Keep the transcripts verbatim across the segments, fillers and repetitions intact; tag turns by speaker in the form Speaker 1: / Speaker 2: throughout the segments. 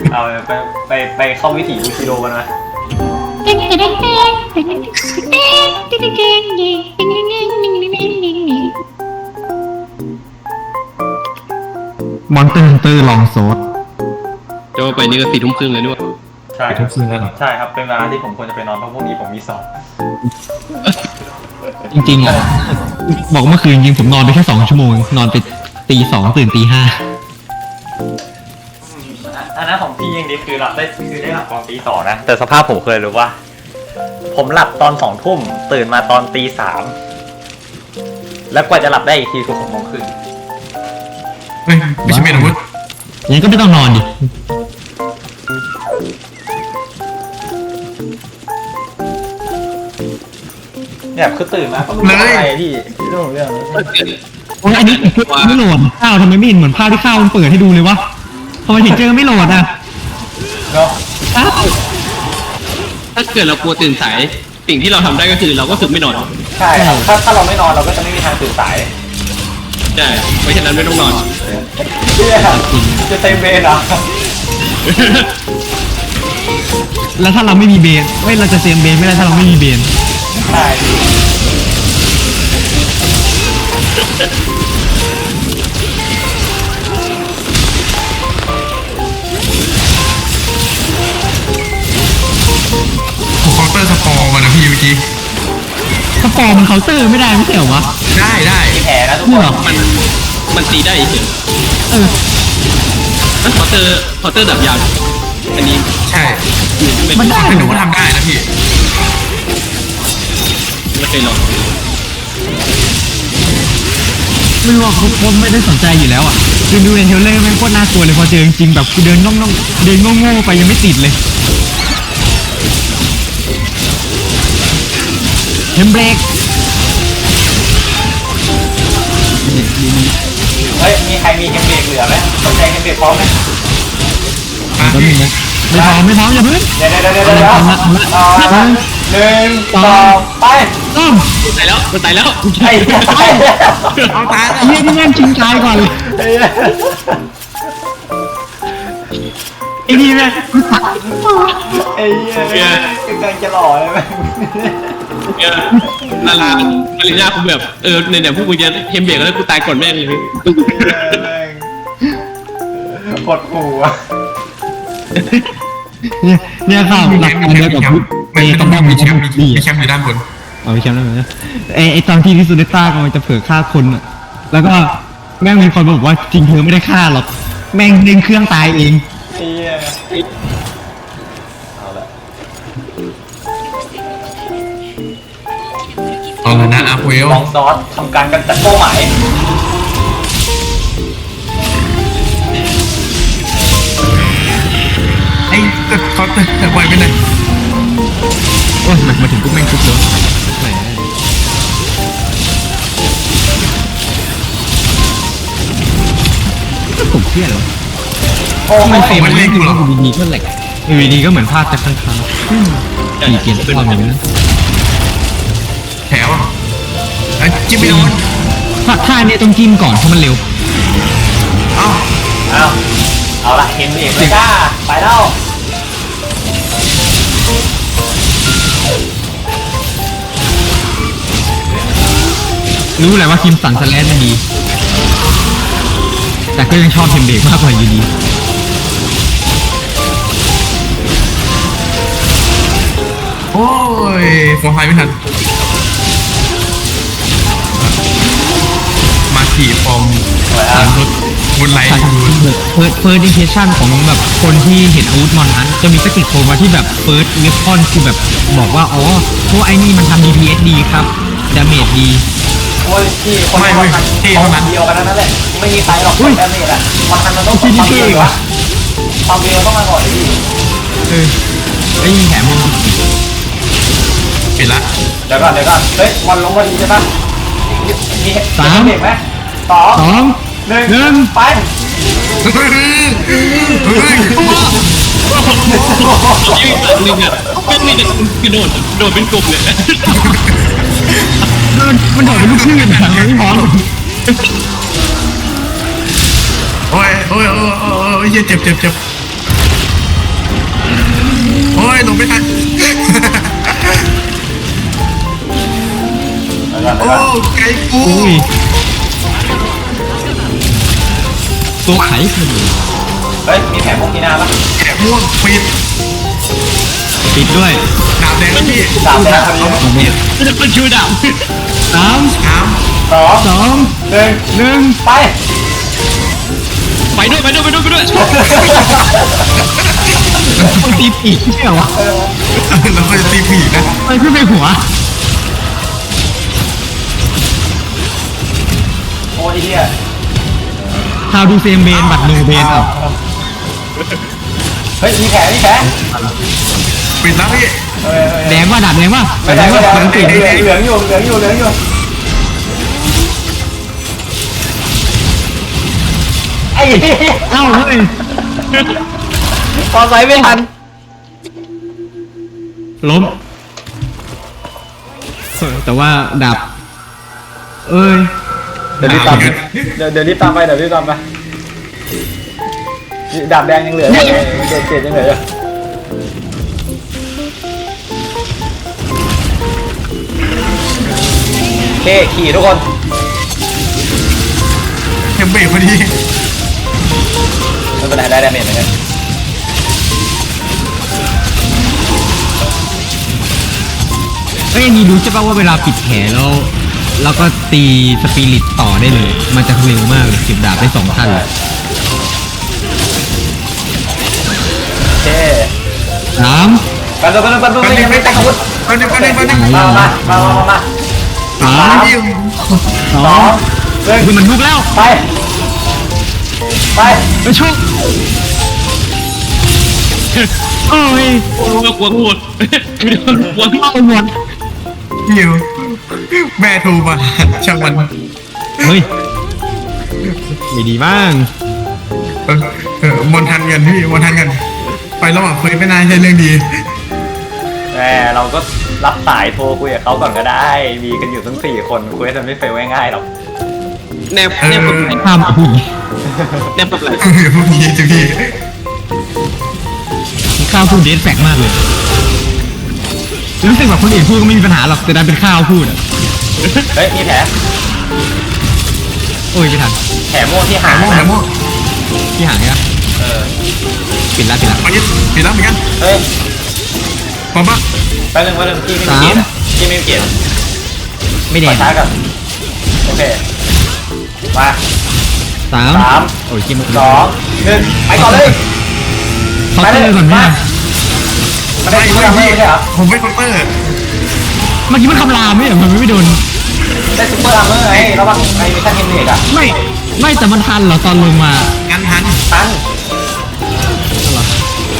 Speaker 1: เอาไปไปไปเข้าวิถีบูชิโร่กันไหม
Speaker 2: มอนเตอร์ฮันเตอร์ลองโซด
Speaker 3: จะว่าไปนี่ก็สี่ทุ่มครึ่งเลยด้วย
Speaker 1: ใช่
Speaker 2: ไปทุกคืนแล้วเหรอ
Speaker 1: ใช่ครับเป็นเวลาที่ผมควรจะไปนอนเพราะพรุ่งนี้ผมมีสอบ
Speaker 2: จริงๆอ่ะบอกเมื่อคืนจริงผมนอนไปแค่สองชั่วโมงนอนไปตีสองตื่นตีห้า
Speaker 1: อันนั้นของพี่ยังดีคือหลับได้คือได้หลับตอนตีสองนะแต่สภาพผมเคยรู้ว่า ผมหลับตอนสองทุ่มตื่นมาตอนตีสามแล้วกว่าจะหลับได้อีกทีคือหกโมงครึ่ง
Speaker 4: เฮ้ยไม่ใช่เมนอาวุธ
Speaker 2: งั้นก็ไม่ต้องนอนดิ
Speaker 1: เนี่ยคือตื่นมาก็ไม่รู้อะไรพี่เรื่องของเรื่อง
Speaker 2: โอ้ยอันนี้ไม่โหลดข้าวทำไมไม่เห็นเหมือนภาพที่ข้าวมันเปิดให้ดูเลยวะทำไมถึงเจอไม่โหลดอ่ะ
Speaker 1: เนาะ
Speaker 2: อ้าว
Speaker 3: ถ้าเกิดเรากลัวตื่นสายสิ่งที่เราทำได้ก็คือเราก็คือไม่นอน
Speaker 1: ใช่ครับถ้าถ้าเราไม่นอนเราก็จะไม่มีทางตื่นสาย
Speaker 3: ใช่เพราะฉะนั้นไม่ต้องนอน
Speaker 1: เชี่ยจะเต็มเวรเหรอ
Speaker 2: แล้วถ้าเราไม่มีเบนเว้ยเราจะเซมเบนไม่ได้ถ้าเราไม่มีเบน
Speaker 1: ใช่
Speaker 4: ผมเคาน์เตอร์สปอร์มานะพี่เมื่อกี้
Speaker 2: สปอร์มันเคาน์เตอร์ไม่ได้ไม่ใช่เหรอวะ
Speaker 4: ได้ได้
Speaker 1: มีแผลนะทุก
Speaker 2: นี่
Speaker 1: ค
Speaker 2: เหรอ
Speaker 1: น
Speaker 3: มันมันตีได้เฉย
Speaker 2: เออ
Speaker 3: นั่นคอเตอร์คอเตอร์ดับยาวอันนี้
Speaker 4: ใช่
Speaker 3: ไม่
Speaker 2: มัน
Speaker 3: ไม่
Speaker 2: ได้
Speaker 4: แต่
Speaker 2: เห
Speaker 4: ห
Speaker 2: ร
Speaker 4: นู
Speaker 2: อ
Speaker 4: ก็
Speaker 2: วะ
Speaker 4: ทำได้นะพี่
Speaker 3: เคยลอง
Speaker 2: ไม่รู้ว่าผมผมไม่ได้สนใจอยู่แล้วอ่ะคือดูในเทรลเลอร์แม่งโคตรน่ากลัวเลยพอเจอจริงๆแบบกูเดินง่องๆเดินโง่ๆไปยังไม่ติดเลยเทมเบรก
Speaker 1: เฮ้ยมีใครมีเฮมเบรกเหลือไหมสนใจเฮมเบรกพร้อมไหม
Speaker 4: อ่ะ
Speaker 2: ก็มีนะไม่พร้อมไม่พร้อมอย่าเพิ่ง
Speaker 1: เดี๋ยวเดี๋ยวเดี๋ยวเดี๋ยวเดี๋ยวเอาละหนึ่งสองไป
Speaker 2: ต้อม
Speaker 3: มันตายแล้วมันตายแล้ว
Speaker 1: ไอ้เหี้ยตายแล้ว
Speaker 4: เอาตายแล้ว
Speaker 2: เฮียที่แม่งชิงตายก่อนเลย
Speaker 1: ไอ้เหี้ย
Speaker 2: ไอ้นี่แม่งกูตัด
Speaker 1: ไอ้เหี้ยกำลังจะหล่อเลยไหม
Speaker 3: เออนาราปริญญาคุณแบบเออในเนี่ยพวกกูจะเฮมเบรกแล้วกูตายก่อนแม่งเลย
Speaker 1: กดหูอ่ะ
Speaker 2: เนี่ยเนี่ยข่าวหลักการเดียวกับพุทธ
Speaker 4: ไม่ไม่ต้องมีแชมป์มีมีแชมป์อยู่ด้านบน
Speaker 2: เอาไปแชมป์ได้ไหมไอ้ไอ้ตอนที่ที่ซูเนต้ากำลังจะเผลอฆ่าคนอ่ะแล้วก็แม่งมีคนบอกว่าจริงเธอไม่ได้ฆ่าหรอกแม่งเล่นเครื่องตายเอง
Speaker 1: ไอ้เหี้ยเอาละ
Speaker 4: เอาละนะอาร์เวล
Speaker 1: ลองซอสทำการกำจัดเป้าหมาย
Speaker 4: ไอ้ก็เคาน์เตอร์แต่ไวไปเลย
Speaker 2: โอ้ยมาถึงปุ๊บแม่งทุบเลยแหมผมเครียดเหรอ
Speaker 1: โอ้
Speaker 2: ทำไม
Speaker 1: ย
Speaker 2: เฟรมมันเล่นกูอยู่ดีๆก็แหลกอยู่ดีๆก็เหมือนภาพจากข้างๆมีเกียร์ภาพเหมือนกัน
Speaker 4: แถวอ่ะไอ้จิ้มไม่โดน
Speaker 2: ถ้าท่าเนี่ยต้องจิ้มก่อนเพราะมันเร็ว
Speaker 4: เอ้า
Speaker 1: เอาเอาละเห็นเอกเลยจ้าไปแล้ว
Speaker 2: รู้แหละว่าคิมสันสแลนมันดี แต่ก็ยังชอบเทมเบรกมากกว่าอยู่ดี
Speaker 4: โอ้ยฟอร์ไฟไม่ทันมาขี่ฟอร์มสามรถบนไหล
Speaker 2: ใช่
Speaker 4: อยู่
Speaker 2: เฟิร์สเฟิร์สดิเคชั่นของแบบคนที่เห็นอาวุธมอนนั้น จะมีสกิลโผล่มาที่แบบเฟิร์สเวฟอนคือแบบบอกว่า อ๋อพวกไอ้นี่มันทำ ดี พี เอส ดีครับดาเมจดี
Speaker 1: โอ้ยพี่คนที่มันทันความเดียวกันนั่นแหละไม่มีใครหรอกแต่เมจอะมันทันมันต้องความเดียววะความเดียวต้องมาก่อนดิ
Speaker 2: เออไอ้ยิงแถมมึง
Speaker 4: ปิดละ
Speaker 1: เดี๋ยวก่อนเดี๋ยวก่อนเฮ้ยวันลงพอดีใช่ปะมีมีเด็กไหมสอง
Speaker 2: สอง
Speaker 1: หนึ่ง
Speaker 2: หนึ่ง
Speaker 1: ไป
Speaker 4: เฮ้ยเฮ้ย
Speaker 3: ยิ่งสัตว์หนึ่งอ่ะไม่มีแต่กระโดดโดดเป็นกลุ่มเลย
Speaker 2: มันมันโดดเป็นลูกชื่นอะไม่พร้อม
Speaker 4: โอ้ยโอ้ยโอ้ยโอ้ยเจ็บเจ็บเจ็บโอ้ยลงไม่ทัน
Speaker 1: แล้วก็
Speaker 4: โอ้
Speaker 1: แล้วก็
Speaker 4: ไก่กู
Speaker 2: อุ้ยตัวไขคือ
Speaker 1: เฮ้ยมีแผลพวกที่หน้าปะ
Speaker 4: แกะม่วงปิด
Speaker 2: ปิดด้วย
Speaker 4: ดาบแดงแล้วพี่
Speaker 1: ดาบแดงพอดี
Speaker 2: ของเนี่ย
Speaker 3: มันจะเป็นชูดาบ
Speaker 2: สาม
Speaker 4: น้
Speaker 1: สอง
Speaker 2: สอง
Speaker 1: หนึ่ง
Speaker 2: หนึ่ง
Speaker 1: ไป
Speaker 3: ไปด้วยไปด้วยไปด้วยไปด้วย
Speaker 2: มันตีปีกไม่ใช่เหรอวะ
Speaker 4: ำแล้วก็จะตีผีนะ
Speaker 2: มันขึ้นไปหัว
Speaker 1: โอ้ยเฮีย
Speaker 2: ฮาวดูเซมเบนบัตรโนเบนอ่ะ
Speaker 1: เฮ้ยมีแผลมีแผล
Speaker 4: ปิดแล้วพี่
Speaker 1: เฮ้ยเฮ้ย
Speaker 2: แดงว่าดับแดงว่า
Speaker 1: ไม่
Speaker 2: แด
Speaker 1: ได้
Speaker 2: ง
Speaker 1: ไม่
Speaker 2: ว่า
Speaker 1: ได้
Speaker 2: เหลืองติด
Speaker 1: เหลืองเหลืองอยู่เหลืองอยู่เหลืองอยู่ไอ้เหี้ย
Speaker 2: เอ้าเฮ้ย
Speaker 1: พอใส่ไม่ทัน
Speaker 2: ล้มเออแต่ว่าดับ เอ้ย
Speaker 1: เดี๋ยวรีบตามเดี๋ยวเดี๋ยวรีบตามไปเดี๋ยวรีบตามไปดาบแดงยังเหลืออยู่เจ็ดเจ็ดยังเหลืออยู่โอเคขี่ทุกคน
Speaker 4: เทมเบรกพอดี
Speaker 1: ไม่เป็นไรได้ดาเมจเหมือนกัน
Speaker 2: เอ้ยนี่รู้ใช่ป่ะว่าเวลาปิดแผลแล้วแล้วก็ตีสปิริตต่อได้เลย มันจะเร็วมากเลยเก็บดาบได้สองขั้นเลย
Speaker 1: โอเค
Speaker 2: สาม
Speaker 1: กันตัวกันตัวกันตัวยังไม่แต่งอาวุธ
Speaker 4: ไปหนึ่งไปหนึ่งไปหนึ่ง
Speaker 1: มามามามามามา
Speaker 2: สา
Speaker 4: สาม
Speaker 2: ม
Speaker 4: พี่
Speaker 2: สอ
Speaker 1: สอง งหนึ่ง
Speaker 2: คือมันลุกแล้ว
Speaker 1: ไปไป
Speaker 2: ไปชกโอ้ย
Speaker 3: กลัวกลัวหมดไม่โดนกลัว
Speaker 2: เข้าหมด
Speaker 4: หิวแม่โทรมาช่างมัน
Speaker 2: เฮ้ยไม่ดีบ้าง
Speaker 4: เออเออมนทันกันพี่มนทันกัน ไประหว่างคุยไม่นานใช่เรื่องดี
Speaker 1: แหมเราก็รับสายโทรคุยกับเขาก่อนก็ได้ มีกันอยู่ทั้งสี่คนคุยกันไม่เฟลง่ายๆหรอก
Speaker 3: แนบแนบกับไหล
Speaker 2: ห้ามผู้หญิง
Speaker 3: แนบกับไหล
Speaker 4: เออพวกนี้จ้ะพี่
Speaker 2: ข้าวพูดเดทแฟกมากเลยรู้สึกแบบคนอื่นพูดก็ไม่มีปัญหาหรอกแต่ดันเป็นข้าวพูดอ่ะ
Speaker 1: เฮ้ยมีแผล
Speaker 2: โอ้ยไม่ทัน
Speaker 1: แผลม่วงที่หา
Speaker 4: หาง โม่หา
Speaker 1: นะ
Speaker 4: โม่
Speaker 2: ที่หายอ่ะ
Speaker 1: เออ
Speaker 2: ปิดละปิดละ
Speaker 4: มายึดปิดแล้วเหมือนกัน
Speaker 1: เฮ้ย
Speaker 4: พร้อมปะ
Speaker 1: แป๊บนึงแป๊บนึงพี่ไม่มีเกียรติอะพี่ไม่มีเกียรติ
Speaker 2: ไม่แด
Speaker 1: ของ ช้าก่อนโอเคมา
Speaker 2: สาม
Speaker 1: สาม
Speaker 2: โอ้ยกินหมด
Speaker 1: สองหนึ่งไปก่อนเลย
Speaker 2: เขาเตอร์ก่อนไหม
Speaker 1: มา
Speaker 2: อะ
Speaker 1: ไม่ได้
Speaker 4: ไม่
Speaker 1: ซุปเปอร์
Speaker 4: ไม่
Speaker 1: อาร์เมอร์
Speaker 4: พี่
Speaker 1: ไม่ใช่เหรอ
Speaker 4: ผมไม่คอมเตอร์
Speaker 2: เมื่อกี้มันคำรามไม่เหรอมันไม่โดน
Speaker 1: ได้ซุปเปอร์อาร์เมอร์ไงระวังไอ้มิชชั่นเทนเนกอะ
Speaker 2: ไม่ไม่แต่มันทันเหรอตอนลงมา
Speaker 4: งั้นทัน
Speaker 1: ทัน
Speaker 2: เหรอ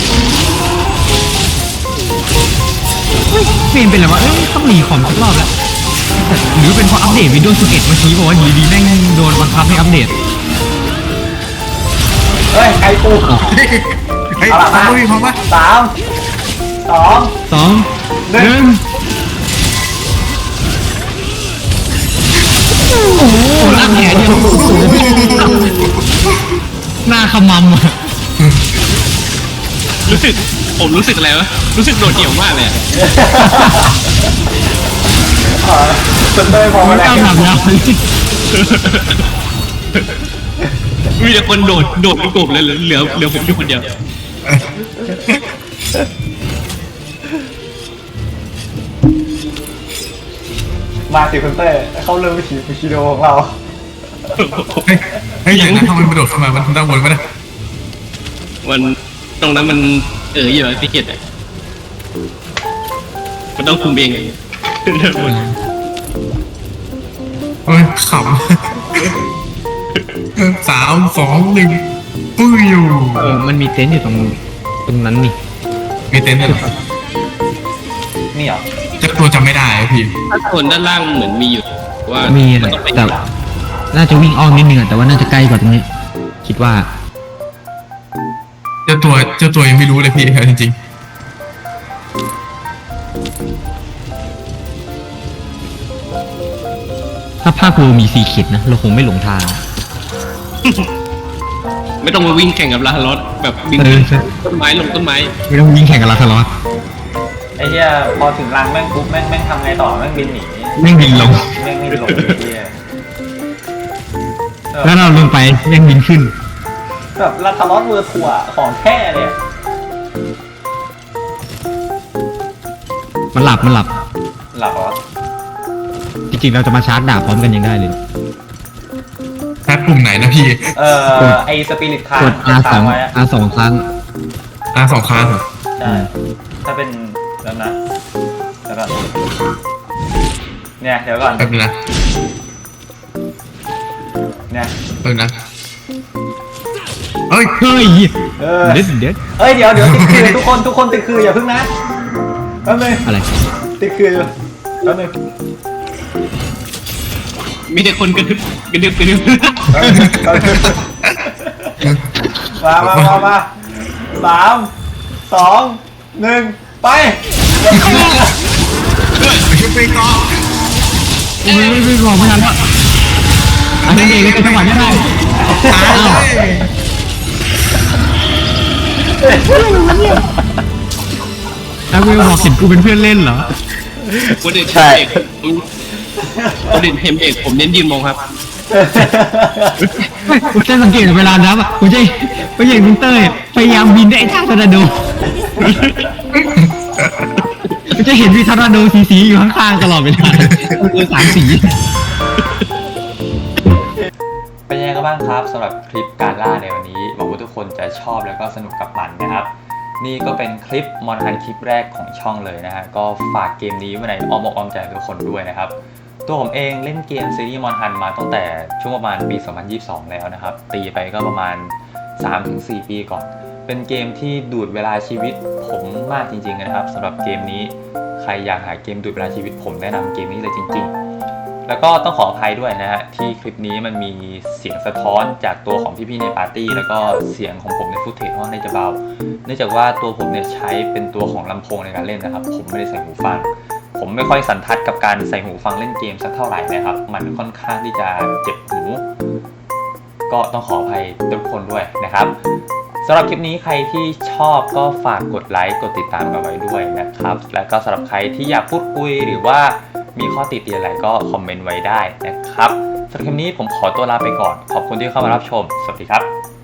Speaker 2: เฮ้ยเฟรมเป็นอะไรวะเอ้ยต้องหนีของสักรอบแล้วแต่หรือเป็นเพราะอัปเดตวิดีโอสิบเอ็ดเมื่อกี้บอกว่าอยู่ดีแม่งโดนบังคับให้อัปเดต
Speaker 1: เฮ้ยไก่ปู
Speaker 4: เฮ้ยเฮ้ย
Speaker 1: เอา
Speaker 4: พร้อ
Speaker 1: ละ
Speaker 4: มปะพี่พร้อมปะ
Speaker 1: สามสอง
Speaker 2: สอง
Speaker 1: หนึ่ง
Speaker 2: หนึ่งโอ้โหลากแขนเนี่ยหน้าขมำอ่ะ
Speaker 3: รู้สึกผมรู้สึกอะไรวะรู้สึกโดดเดี่ยวมากเลยอะ
Speaker 1: อ๋อจนเต้ยพอ
Speaker 2: มั
Speaker 1: มาน แล้ว
Speaker 2: ก้าวหนักยาว
Speaker 3: มีแต่คนโดดโดดเป็นกลุ่มเลยเหลือเหลือเหลือผมอยู่คนเดียว
Speaker 1: มาสิคุณเต้ยเขาเริ่มวิถีวิชิโดของเรา
Speaker 4: เฮ้ยเฮ้ยอย่างนั้นทำไมมันโดดเข้ามามันทำได้วนปะเนี่ย
Speaker 3: มันตรงนั้นมันเอออยู่ที่เกียรติอะมันต้องคุมเองไง
Speaker 4: เฮ้ยขำสามสองหนึ่งปุ้ยอยู่
Speaker 2: เออมันมีเต็นท์อยู่ตรงตรงนั้นนี่
Speaker 4: มีเต็นท์ด้วยเหรอ
Speaker 1: นี่เหรอ
Speaker 4: เจ้าตัวจำไม่ได้อะพี่
Speaker 3: ถ้าคนด้านล่างเหมือนมีอยู่ว่า
Speaker 2: มี
Speaker 3: มั
Speaker 2: อะ
Speaker 3: นต้องไป
Speaker 2: แต่น่าจะวิ่งอ้อมนิดนึงอะแต่ว่าน่าจะใกล้กว่าตรงนี้ คิดว่า
Speaker 4: เจ้าตัวเจ้าตัวยังไม่รู้เลยพี่เอาจริง
Speaker 2: ถ้าภาคโลมีสีเข็ดนะ เราคงไม่หลงทาง
Speaker 3: ไม่ต้องมาวิ่งแข่งกับลาฮารอสแบบวิ่ง
Speaker 2: เออ
Speaker 3: ต้นไม้ลงต้นไม้
Speaker 2: ไม่ต้องวิ่งแข่งกับลาคาร์ลอส
Speaker 1: ไอ้เหี้ยพอถึงรังแม่งปุ๊บแม่งแม่งทำไงต่อแม่งบินหนี
Speaker 2: แม่งบินลง
Speaker 1: แม่งไม่ลงไอ้เหี้ยเออ
Speaker 2: แล้วเราลงไปแม่งบินขึ้น
Speaker 1: แบบลาทารอสเวอร์ทัวร์ของแท้เลยอะ
Speaker 2: มันหลับมันหลับ
Speaker 1: หลับเหรอ
Speaker 2: จริงๆเราจะมาชาร์จดาบพร้อมกันยังได้เลย
Speaker 4: แพทปุ่มไหนนะพี่
Speaker 1: เออไอสปิริตคาร์
Speaker 2: กด R สอง
Speaker 1: ไว้อะ
Speaker 2: R สองครั้ง
Speaker 4: อ่าสองครั้งเหรอ
Speaker 1: ใช่ถ้าเป็นแล้วนะแล้วก็เนี่ยเดี๋ยวก่อน
Speaker 4: แป๊บนึงนะ
Speaker 1: เนี่ย
Speaker 4: แป๊บนึงนะเอ้ย
Speaker 2: เฮ้ย
Speaker 1: เออ
Speaker 2: เด็ดเด็ด
Speaker 1: เอ้ยเดี๋ยวเดี๋ยวติดคือทุกคนทุกคนติดคืออย่าเพิ่งนะแป๊บนึง
Speaker 2: อะไร
Speaker 1: ติดคือแป๊บนึง
Speaker 3: มีแต่คนกระดึบกระดึบกระดึบ
Speaker 1: แป๊บนึงแป๊บนึงมามามามาสามสองหนึ่งไป
Speaker 4: ชุบไปก่อน
Speaker 2: ไม่ไม่ไม่บอกไม่ทันแล้วอันนี้เองก็จังหวะนี้ได้
Speaker 4: ตายเลย
Speaker 2: แล้วกูบอกเห็นกูเป็นเพื่อนเล่นเหรอ
Speaker 3: คนเด็ก
Speaker 1: ใช่
Speaker 3: คนเด็กเห็นเด็กผมเน้นยืนมองครับ
Speaker 2: กูจะสังเกตเวลานับอ่ะกูจะกูจะเห็นคุณเต้ยพยายามบินได้ไอ้ท่าทอร์นาโดกูจะเห็นมีทอร์นาโดสีๆอยู่ข้างๆตลอดเวลาคือสามสี
Speaker 1: เป็นยังไงกันบ้างครับสำหรับคลิปการล่าในวันนี้หวังว่าทุกคนจะชอบแล้วก็สนุกกับมันนะครับนี่ก็เป็นคลิปมอนฮันคลิปแรกของช่องเลยนะฮะก็ฝากเกมนี้ไว้ในอ้อมอกอ้อมใจทุกคนด้วยนะครับตัวผมเองเล่นเกมซีรีส์มอนฮันมาตั้งแต่ช่วงประมาณปี สองพันยี่สิบสอง แล้วนะครับตีไปก็ประมาณ สามถึงสี่ ปีก่อนเป็นเกมที่ดูดเวลาชีวิตผมมากจริงๆนะครับสำหรับเกมนี้ใครอยากหาเกมดูดเวลาชีวิตผมแนะนำเกมนี้เลยจริงๆแล้วก็ต้องขออภัยด้วยนะฮะที่คลิปนี้มันมีเสียงสะท้อนจากตัวของพี่ๆในปาร์ตี้แล้วก็เสียงของผมในฟุตเทจค่อนข้างจะเบาเนื่องจากว่าตัวผมเนี่ยใช้เป็นตัวของลำโพงในการเล่นนะครับผมไม่ได้ใส่หูฟังผมไม่ค่อยสันทัดกับการใส่หูฟังเล่นเกมสักเท่าไหร่นะครับมันค่อนข้างที่จะเจ็บหูก็ต้องขออภัยทุกคนด้วยนะครับสำหรับคลิปนี้ใครที่ชอบก็ฝากกดไลค์กดติดตามกันไว้ด้วยนะครับแล้วก็สำหรับใครที่อยากพูดคุยหรือว่ามีข้อติเตียนอะไรก็คอมเมนต์ไว้ได้นะครับสำหรับคลิปนี้ผมขอตัวลาไปก่อนขอบคุณที่เข้ามารับชมสวัสดีครับ